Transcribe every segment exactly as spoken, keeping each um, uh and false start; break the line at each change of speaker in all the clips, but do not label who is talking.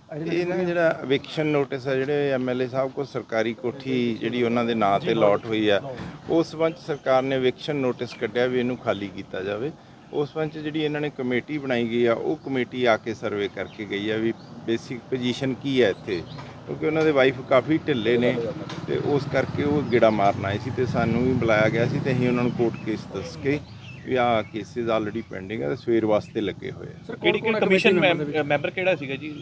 ਇਹ ਨਾ ਜਿਹੜਾ ਐਵਿਕਸ਼ਨ ਨੋਟਿਸ ਆ ਜਿਹੜੇ ਐਮਐਲਏ ਸਾਹਿਬ ਕੋਲ ਸਰਕਾਰੀ ਕੋਠੀ ਜਿਹੜੀ ਉਹਨਾਂ ਦੇ ਨਾਂ ਤੇ ਲਾਟ ਹੋਈ ਆ ਉਸ ਸੰਬੰਧ 'ਚ ਸਰਕਾਰ ਨੇ ਐਵਿਕਸ਼ਨ ਨੋਟਿਸ ਕੱਢਿਆ ਵੀ ਇਹਨੂੰ ਖਾਲੀ ਕੀਤਾ ਜਾਵੇ। ਉਸ ਸੰਬੰਧ 'ਚ ਜਿਹੜੀ ਇਹਨਾਂ ਨੇ ਕਮੇਟੀ ਬਣਾਈ ਗਈ ਆ ਉਹ ਕਮੇਟੀ ਆ ਕੇ ਸਰਵੇ ਕਰਕੇ ਗਈ ਆ ਵੀ ਬੇਸਿਕ ਪੋਜੀਸ਼ਨ ਕੀ ਹੈ ਇੱਥੇ, ਕਿਉਂਕਿ ਉਹਨਾਂ ਦੇ ਵਾਈਫ ਕਾਫੀ ਢਿੱਲੇ ਨੇ ਤੇ ਉਸ ਕਰਕੇ ਉਹ ਗੇੜਾ ਮਾਰਨ ਆਏ ਸੀ ਤੇ ਸਾਨੂੰ ਵੀ ਬੁਲਾਇਆ ਗਿਆ ਸੀ ਤੇ ਅਸੀਂ ਉਹਨਾਂ ਨੂੰ ਕੋਰਟ ਕੇਸ ਦੱਸ ਕੇ ਵੀ ਆਹ ਕੇਸਿਸ ਆਲਰੇਡੀ ਪੈਂਡਿੰਗ ਆ ਤੇ ਸਵੇਰ ਵਾਸਤੇ ਲੱਗੇ ਹੋਏ ਆ।
ਕਿਹੜੀ ਕਿਹੜੀ ਕਮਿਸ਼ਨ ਮੈਂਬਰ ਕਿਹੜਾ ਸੀਗਾ ਜੀ?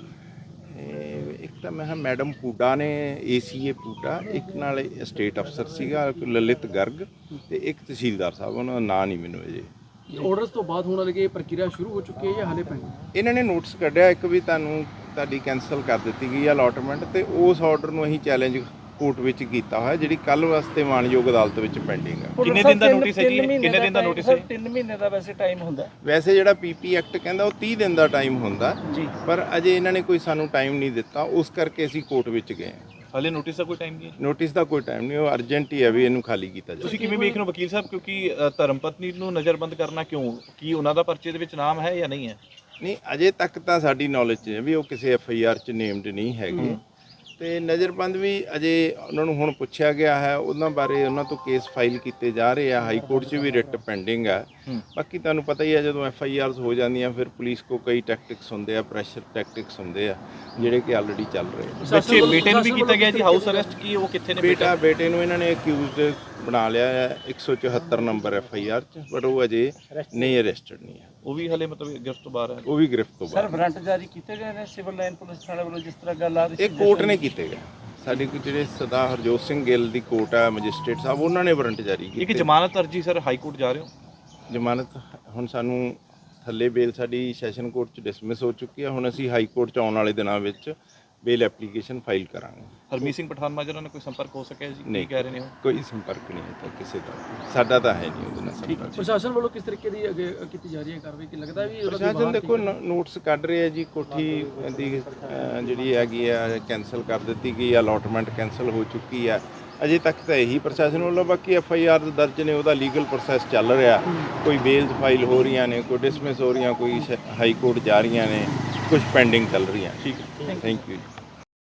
ਇੱਕ ਤਾਂ ਮੈਂ ਮੈਡਮ ਪੂਡਾ ਨੇ ਏਸੀਏ ਪੂਡਾ, ਇੱਕ ਨਾਲ ਸਟੇਟ ਅਫਸਰ ਸੀਗਾ ਲਲਿਤ ਗਰਗ ਤੇ ਇੱਕ ਤਹਿਸੀਲਦਾਰ ਸਾਹਿਬ, ਉਹਨਾਂ ਦਾ ਨਾਂ ਨਹੀਂ ਮੈਨੂੰ ਅਜੇ।
ਆਰਡਰਸ ਤੋਂ ਬਾਅਦ ਹੋਣ ਵਾਲੀ ਇਹ ਪ੍ਰਕਿਰਿਆ ਸ਼ੁਰੂ ਹੋ ਚੁੱਕੀ ਹੈ ਜਾਂ ਹਾਲੇ ਪੈਂਦੀ?
ਇਹਨਾਂ ਨੇ ਨੋਟਿਸ ਕੱਢਿਆ ਇੱਕ ਵੀ ਤੁਹਾਨੂੰ ਤੁਹਾਡੀ ਕੈਂਸਲ ਕਰ ਦਿੱਤੀ ਗਈ ਆ ਅਲਾਟਮੈਂਟ ਤੇ ਉਸ ਆਰਡਰ ਨੂੰ ਅਸੀਂ ਚੈਲੰਜ ਕੋਰਟ ਵਿੱਚ ਕੀਤਾ ਹੋਇਆ ਜਿਹੜੀ ਕੱਲ ਵਾਸਤੇ ਮਾਨਯੋਗ ਅਦਾਲਤ ਵਿੱਚ ਪੈਂਡਿੰਗ ਆ।
ਕਿੰਨੇ ਦਿਨ ਦਾ ਨੋਟਿਸ ਹੈ ਜੀ? ਕਿੰਨੇ ਦਿਨ ਦਾ ਨੋਟਿਸ ਹੈ?
ਤਿੰਨ ਮਹੀਨੇ ਦਾ ਵੈਸੇ ਟਾਈਮ ਹੁੰਦਾ।
ਵੈਸੇ ਜਿਹੜਾ ਪੀਪੀ ਐਕਟ ਕਹਿੰਦਾ ਉਹ ਤੀਹ ਦਿਨ ਦਾ ਟਾਈਮ ਹੁੰਦਾ
ਜੀ,
ਪਰ ਅਜੇ ਇਹਨਾਂ ਨੇ ਕੋਈ ਸਾਨੂੰ ਟਾਈਮ ਨਹੀਂ ਦਿੱਤਾ, ਉਸ ਕਰਕੇ ਅਸੀਂ ਕੋਰਟ ਵਿੱਚ ਗਏ।
ਹਾਲੇ ਨੋਟਿਸ ਦਾ ਕੋਈ ਟਾਈਮ ਨਹੀਂ ਹੈ?
ਨੋਟਿਸ ਦਾ ਕੋਈ ਟਾਈਮ ਨਹੀਂ, ਉਹ ਅਰਜੈਂਟ ਹੀ ਹੈ ਵੀ ਇਹਨੂੰ ਖਾਲੀ ਕੀਤਾ ਜਾਵੇ।
ਤੁਸੀਂ ਕਿਵੇਂ ਵੇਖ ਰਹੇ ਹੋ ਵਕੀਲ ਸਾਹਿਬ, ਕਿਉਂਕਿ ਧਰਮ ਪਤਨੀ ਨੂੰ ਨਜ਼ਰਬੰਦ ਕਰਨਾ ਕਿਉਂ? ਕੀ ਉਹਨਾਂ ਦਾ ਪਰਚੇ ਦੇ ਵਿੱਚ ਨਾਮ ਹੈ ਜਾਂ ਨਹੀਂ ਹੈ?
ਨਹੀਂ ਅਜੇ ਤੱਕ ਤਾਂ ਸਾਡੀ ਨੌਲੇਜ 'ਚ ਹੈ ਵੀ ਉਹ ਕਿਸੇ ਐਫ ਆਈ ਆਰ 'ਚ ਨੇਮਡ ਨਹੀਂ ਹੈਗੇ ਤੇ ਨਜ਼ਰਬੰਦ ਵੀ ਅਜੇ ਉਹਨਾਂ ਨੂੰ ਹੁਣ ਪੁੱਛਿਆ ਗਿਆ ਹੈ, ਉਹਨਾਂ ਬਾਰੇ ਉਹਨਾਂ ਤੋਂ ਕੇਸ ਫਾਈਲ ਕੀਤੇ ਜਾ ਰਹੇ ਆ, ਹਾਈ ਕੋਰਟ 'ਚ ਵੀ ਰਿਟ ਪੈਂਡਿੰਗ ਆ। ਬਾਕੀ ਤੁਹਾਨੂੰ ਪਤਾ ਹੀ ਹੈ ਜਦੋਂ ਐਫ ਆਈ ਆਰਸ ਹੋ ਜਾਂਦੀਆਂ ਫਿਰ ਪੁਲਿਸ ਕੋ ਕਈ ਟੈਕਟਿਕਸ ਹੁੰਦੇ ਆ, ਪ੍ਰੈਸ਼ਰ ਟੈਕਟਿਕਸ ਹੁੰਦੇ ਆ ਜਿਹੜੇ ਕਿ ਆਲਰੇਡੀ ਚੱਲ ਰਹੇ ਆ।
ਬੱਚੇ ਬੇਟੇ ਨੂੰ ਵੀ ਕੀਤਾ ਗਿਆ ਜੀ ਹਾਊਸ ਅਰੈਸਟ, ਕੀ ਉਹ ਕਿੱਥੇ ਨੇ?
ਬੇਟਾ ਬੇਟੇ ਨੂੰ ਇਹਨਾਂ ਨੇ ਅਕਿਊਜ਼ਡ ਬਣਾ ਲਿਆ ਹੈ ਇੱਕ ਸੌ ਚੁਹੱਤਰ ਨੰਬਰ ਐਫ ਆਈ ਆਰ 'ਚ, ਬਟ ਉਹ ਅਜੇ ਨਹੀਂ ਅਰੈਸਟਡ ਨਹੀਂ ਹੈ,
ਉਹ ਵੀ ਹਲੇ ਮਤਲਬ ਗਿਰਫਤ ਤੋਂ ਬਾਹਰ ਹੈ।
ਉਹ ਵੀ ਗ੍ਰਿਫਤ ਤੋਂ
ਸਰ
ਬਾਹਰ।
ਵਾਰੰਟ ਜਾਰੀ ਕੀਤੇ ਗਏ ਨੇ ਸਿਵਲ ਲਾਈਨ ਪੁਲਿਸ ਥਾਣੇ ਵੱਲੋਂ ਜਿਸ ਤਰ੍ਹਾਂ ਗੱਲ ਆ ਰਹੀ ਸੀ?
ਇਹ ਕੋਰਟ ਨੇ ਕੀਤੇ ਗਏ, ਸਾਡੇ ਕੋਲ ਜਿਹੜੇ ਸਰਦਾਰ ਹਰਜੋਤ ਸਿੰਘ ਗਿੱਲ ਦੀ ਕੋਰਟ ਆ ਮੈਜਿਸਟ੍ਰੇਟ ਸਾਹਿਬ, ਉਹਨਾਂ ਨੇ ਵਾਰੰਟ ਜਾਰੀ
ਇੱਕ
ਕੀਤੀ।
ਜ਼ਮਾਨਤ ਅਰਜੀ ਸਰ ਹਾਈ ਕੋਰਟ ਜਾ ਰਹੇ ਹੋ?
ਜ਼ਮਾਨਤ ਹੁਣ ਸਾਨੂੰ ਥੱਲੇ ਬੇਲ ਸਾਡੀ ਸੈਸ਼ਨ ਕੋਰਟ 'ਚ ਡਿਸਮਿਸ ਹੋ ਚੁੱਕੀ ਹੈ, ਹੁਣ ਅਸੀਂ ਹਾਈ ਕੋਰਟ 'ਚ ਆਉਣ ਵਾਲੇ ਦਿਨਾਂ ਵਿੱਚ ਬੇਲ ਐਪਲੀਕੇਸ਼ਨ ਫਾਈਲ ਕਰਾਂਗੇ।
ਹਰਮੀਤ ਸਿੰਘ ਪਠਾਨ ਮਾਜਰਾ ਨਾਲ ਕੋਈ ਸੰਪਰਕ ਹੋ ਸਕਿਆ ਜੀ? ਕੀ ਕਹਿ ਰਹੇ ਨੇ ਉਹ?
ਕੋਈ ਸੰਪਰਕ ਨਹੀਂ ਹੈ ਤਾਂ ਕਿਸੇ ਦਾ, ਸਾਡਾ ਤਾਂ ਹੈ ਨਹੀਂ ਉਹਦੇ ਨਾਲ ਸੰਪਰਕ।
ਪ੍ਰਸ਼ਾਸਨ ਵੱਲੋਂ ਕਿਸ ਤਰੀਕੇ ਦੀ ਅੱਗੇ ਕੀਤੀ ਜਾ ਰਹੀ ਹੈ ਕਾਰਵਾਈ? ਕਿ ਲੱਗਦਾ ਵੀ
ਪ੍ਰਸ਼ਾਸਨ ਦੇਖੋ ਨੋਟਿਸ ਕੱਢ ਰਹੇ ਆ ਜੀ, ਕੋਠੀ ਦੀ ਅਹ, ਜਿਹੜੀ ਹੈਗੀ ਆ ਕੈਂਸਲ ਕਰ ਦਿੱਤੀ ਗਈ, ਅਲਾਟਮੈਂਟ ਕੈਂਸਲ ਹੋ ਚੁੱਕੀ ਆ। ਅਜੇ ਤੱਕ ਤਾਂ ਇਹੀ ਪ੍ਰਸ਼ਾਸਨ ਵੱਲੋਂ, ਬਾਕੀ ਐਫ ਆਈ ਆਰ ਦਰਜ ਨੇ, ਉਹਦਾ ਲੀਗਲ ਪ੍ਰੋਸੈਸ ਚੱਲ ਰਿਹਾ, ਕੋਈ ਬੇਲਸ ਫਾਈਲ ਹੋ ਰਹੀਆਂ ਨੇ, ਕੋਈ ਡਿਸਮਿਸ ਹੋ ਰਹੀਆਂ, ਕੋਈ ਹਾਈ ਕੋਰਟ ਜਾ ਰਹੀਆਂ ਨੇ, ਕੁਝ ਪੈਂਡਿੰਗ ਚੱਲ ਰਹੀਆਂ।
ਠੀਕ ਹੈ,
ਥੈਂਕ ਯੂ।